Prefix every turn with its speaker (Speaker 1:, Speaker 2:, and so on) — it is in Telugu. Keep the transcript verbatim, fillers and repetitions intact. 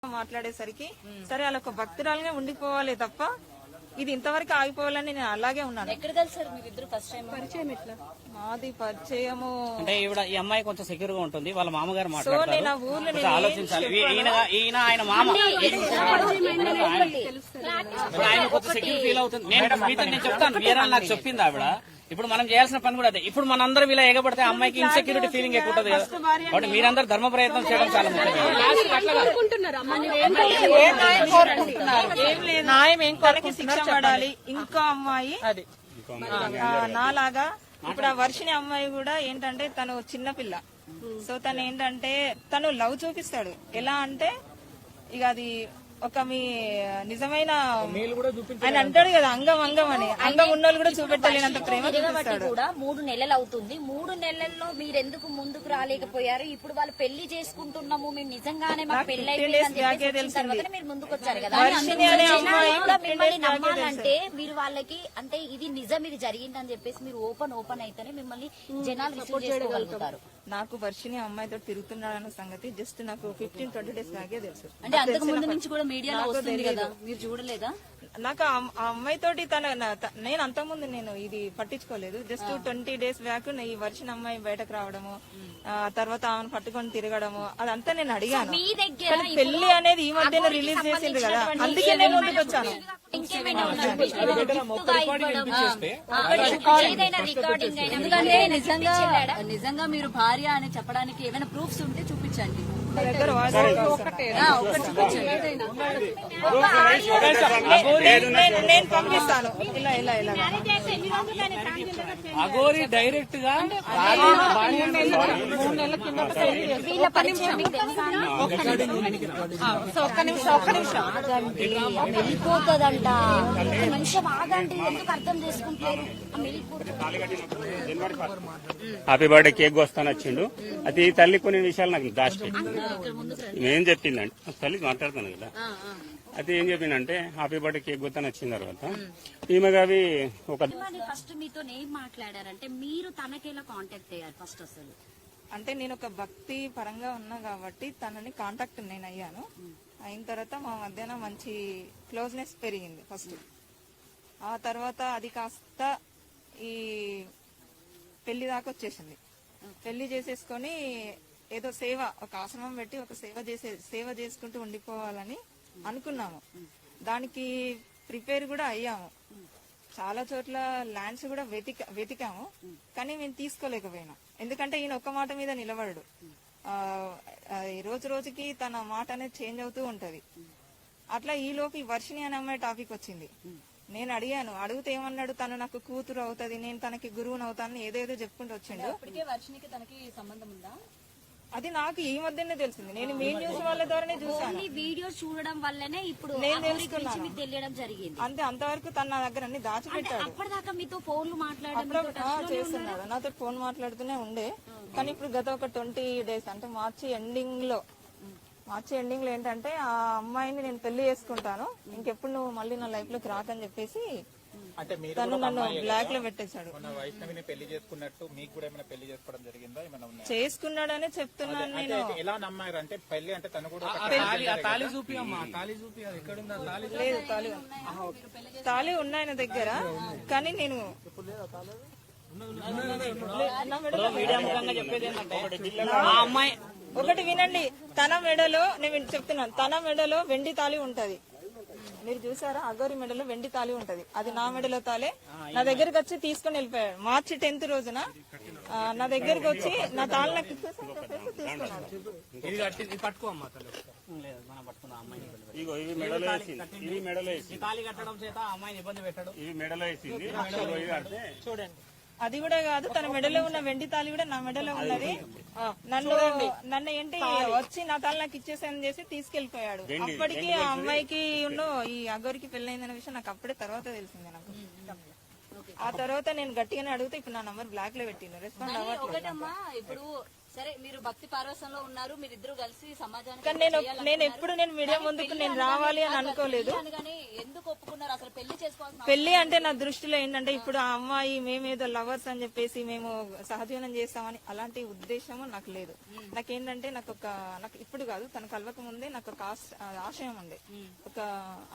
Speaker 1: మాట్లాడేసరికి సరే అలా ఒక భక్తురాలుగా ఉండిపోవాలి తప్ప ఇది ఇంతవరకు ఆగిపోవాలని నేను అలాగే ఉన్నాను.
Speaker 2: ఎక్కడ కలిసారు మీరిద్దరు ఫస్ట్ టైం? పరిచయం ఎట్లా?
Speaker 1: మాది పరిచయము
Speaker 3: అంటే ఈవిడ ఈ అమ్మాయి కొంచెం సెక్యూర్ గా ఉంటుంది, వాళ్ళ మామగారు
Speaker 1: సో
Speaker 3: మాట్లాడతారు.
Speaker 1: నేను ఆ ఊర్లో
Speaker 3: కొంచెం ఆలోచించాలి. ఈయన ఈయన ఆయన మామ ఆయన కొంచెం సెక్యూర్ ఫీల్ అవుతుంది. నేను మీతో నేను చెప్తాను, వేరే నాకు చెప్పింది ఆవిడ. ఇప్పుడు మనం చేయాల్సిన పని కూడా అదే. ఇప్పుడు మనందరం ఇలా ఎగబడితే అమ్మాయికి ఇన్సెక్యూరిటీ ఫీలింగ్ ఎక్కువ ఉంటుంది కదా. కాబట్టి మీరందరూ ధర్మ ప్రయత్నం చేయడం చాలా ముఖ్యం.
Speaker 1: న్యాయం ఏం కొరకు శిక్ష పడాలి. ఇంకో అమ్మాయి నాలాగా ఇప్పుడు ఆ వర్షిని అమ్మాయి కూడా ఏంటంటే తను చిన్నపిల్ల. సో తను ఏంటంటే తను లవ్ చూపిస్తాడు. ఎలా అంటే ఇక అది ఒక మీ నిజమైన ఆయన అంటాడు కదా అంగం అంగం అని, అంగం ఉన్నోళ్ళు కూడా చూపెట్టలేనంత ప్రేమ చూపిస్తాడు.
Speaker 2: కూడా మూడు నెలలు అవుతుంది. మూడు నెలల్లో మీరు ఎందుకు ముందుకు రాలేకపోయారు? ఇప్పుడు వాళ్ళు పెళ్లి చేసుకుంటున్నాము, మేము నిజంగానే మాకు పెళ్లి అయిపోయింది మీరు ముందుకు వచ్చారు కదా. మిమ్మల్ని నమ్మాలంటే మీరు వాళ్ళకి అంటే ఇది నిజం, ఇది జరిగిందని చెప్పేసి మీరు ఓపెన్ ఓపెన్ అయితేనే మిమ్మల్ని జనాలు రిసీవ్ చేసుకోగలుగుతారు.
Speaker 1: నాకు వర్షిని అమ్మాయితో తిరుగుతున్నాడన్న సంగతి జస్ట్ నాకు ఫిఫ్టీన్ ట్వంటీ డేస్ దాకే తెలుసు.
Speaker 2: అంటే అంతకు ముందు నుంచి కూడా మీడియాలో వస్తుంది కదా, మీరు చూడలేదా?
Speaker 1: నాకు ఆ అమ్మాయి తోటి తన నేను అంతకుముందు నేను ఇది పట్టించుకోలేదు. జస్ట్ ట్వంటీ డేస్ బ్యాక్ ఈ వర్షిన అమ్మాయి బయటకు రావడము, తర్వాత ఆమెను పట్టుకొని తిరగడము అదంతా నేను అడిగాను. పెళ్లి అనేది ఈ మధ్యన రిలీజ్ చేసింది కదా, అందుకే నేను ముందుకు వచ్చాను.
Speaker 2: ఎందుకంటే నిజంగా నిజంగా మీరు భార్య అని చెప్పడానికి ఏమైనా ప్రూఫ్స్ ఉంటే చూపించండి.
Speaker 1: నేను పంపిస్తాను. ఇలా ఇలా ఇలా
Speaker 3: అగోరి డైరెక్ట్ గా
Speaker 1: మూడు నెలల కింద ఒక్క నిమిషం ఒక్క నిమిషం
Speaker 2: వెళ్ళిపోతుందంట. నిమిషం ఆగండి, ఎందుకు అర్థం చేసుకుంటారు?
Speaker 4: హ్యాపీ బర్త్డే కేక్ వస్తాను వచ్చిండు. అది తల్లి కొన్ని విషయాలు నాకు దాచిపెట్టి ఏం చెప్పిందంటే, తల్లి మాట్లాడుతాను కదా, అది ఏం చెప్పిందంటే హ్యాపీ బర్త్డే కేక్ వస్తాను వచ్చిన తర్వాత ఈమె అవి ఒక
Speaker 2: ఫస్ట్ మీతో ఏం మాట్లాడారంటే మీరు తనకేలా కాంటాక్ట్ అయ్యారు ఫస్ట్? అసలు
Speaker 1: అంటే నేను ఒక భక్తి పరంగా ఉన్నా కాబట్టి తనని కాంటాక్ట్ నేను అయ్యాను. అయిన తర్వాత మా మధ్యన మంచి క్లోజ్నెస్ పెరిగింది ఫస్ట్. ఆ తర్వాత అది కాస్త ఈ పెళ్లి దాకా వచ్చేసింది. పెళ్లి చేసేసుకొని ఏదో సేవ, ఒక ఆశ్రమం పెట్టి ఒక సేవ చేసే సేవ చేసుకుంటూ ఉండిపోవాలని అనుకున్నాము. దానికి ప్రిపేర్ కూడా అయ్యాము. చాలా చోట్ల ల్యాండ్స్ కూడా వెతిక వెతికాము కానీ మేము తీసుకోలేకపోయినాం. ఎందుకంటే ఈయన ఒక్క మాట మీద నిలబడడు. ఆ రోజు రోజుకి తన మాట అనేది చేంజ్ అవుతూ ఉంటది. అట్లా ఈ లోపు ఈ వర్షిని అనే అమ్మాయి టాపిక్ వచ్చింది. నేను అడిగాను, అడిగితే ఏమన్నాడు, తను నాకు కూతురు అవుతుంది, నేను తనకి గురువుని అవుతానని ఏదేదో చెప్పుకుంటూ వచ్చిండు. అది నాకు ఈ మధ్యనే తెలిసింది. నేను మీ న్యూస్ వాళ్ళ ద్వారానే చూసాను.
Speaker 2: వీడియో చూడడం వల్లనే ఇప్పుడు
Speaker 1: నేను తెలుసుకున్నాను.
Speaker 2: తెలియడం జరిగింది.
Speaker 1: అంతే, అంతవరకు తన నా దగ్గర అన్ని దాచిపెట్టాడు.
Speaker 2: అప్పటిదాకా మీతో ఫోన్లు మాట్లాడడం
Speaker 1: చేస్తున్నాడు, నాతో ఫోన్ మాట్లాడుతూనే ఉండే. కానీ ఇప్పుడు గత ఒక ట్వంటీ డేస్ అంటే మార్చి ఎండింగ్ లో మార్చి ఎండింగ్ లో ఏంటంటే ఆ అమ్మాయిని నేను పెళ్లి చేసుకుంటాను, ఇంకెప్పుడు నువ్వు మళ్ళీ నా లైఫ్ లోకి రాకని చెప్పేసి తను నన్ను బ్లాక్ లో పెట్టేశాడు.
Speaker 5: పెళ్లి చేసుకున్నట్టు మీకు కూడా ఏమైనా పెళ్లి చేసుకోవడం జరిగిందా?
Speaker 1: చేసుకున్నాడనే చెప్తున్నాను నేను.
Speaker 5: ఎలా నమ్మారు అంటే పెళ్లి అంటే తను కూడా
Speaker 1: లేదు, తాళి తాళి ఉన్నాయన దగ్గర. కానీ నేను
Speaker 3: చెప్పేది ఏంటంటే ఆ అమ్మాయి
Speaker 1: ఒకటి వినండి, తన మెడలో నేను చెప్తున్నాను, తన మెడలో వెండి తాళి ఉంటది. మీరు చూసారా, అగోరి మెడలో వెండి తాళి ఉంటది. అది నా మెడలో తాలే. నా దగ్గరకు వచ్చి తీసుకుని వెళ్ళిపోయాడు. మార్చి టెన్త్ రోజున నా దగ్గరకు వచ్చి నా తాళి నాకు తీసుకున్నాడు.
Speaker 3: తాళి కట్టడం చేత అమ్మాయిని ఇబ్బంది పెట్టాడు.
Speaker 4: ఇవి మెడలో వేసింది
Speaker 1: చూడండి, అది కూడా కాదు, తన మెడలో ఉన్న వెండి తాళి కూడా నా మెడలో ఉన్నది. నన్ను నన్ను ఏంటి వచ్చి నా తాళి నాకు ఇచ్చేసానని చేసి తీసుకెళ్లిపోయాడు. అప్పటికి ఆ అమ్మాయికి ఉన్న ఈ అగోరికి పెళ్ళైందన్న విషయం నాకు అప్పుడే తర్వాత తెలిసింది. నాకు ఆ తర్వాత నేను గట్టిగానే అడిగితే ఇప్పుడు నా నంబర్ బ్లాక్ లో పెట్టింది, రెస్పాండ్ అవ్వట్లేదు.
Speaker 2: ఇప్పుడు సరే మీరు భక్తి పారవసంలో ఉన్నారు, మీరిద్దరు కలిసి సమాజానికి
Speaker 1: కానీ నేను
Speaker 2: చేయాలనుకున్నారు.
Speaker 1: నేను ఎప్పుడు నేను మీడియా
Speaker 2: కానీ
Speaker 1: ముందుకు
Speaker 2: పెళ్లి
Speaker 1: నేను
Speaker 2: అనగానే
Speaker 1: రావాలి అని
Speaker 2: కాదు,
Speaker 1: అనుకోలేదు.
Speaker 2: పెళ్లి అనగానే ఎందుకు ఒప్పుకున్నారు అసలు? పెళ్లి చేసుకోవాల్సిన
Speaker 1: పెళ్లి అంటే నా దృష్టిలో ఏంటంటే ఇప్పుడు ఆ అమ్మాయి మేమేదో లవర్స్ అని చెప్పేసి మేము సహజీవనం చేస్తామని అలాంటి ఉద్దేశము నాకు లేదు. నాకేంటంటే నాకు ఒక నాకు ఇప్పుడు కాదు తను కలవక ముందే నాకు ఒక ఆశ- ఆశయం ఉండే ఒక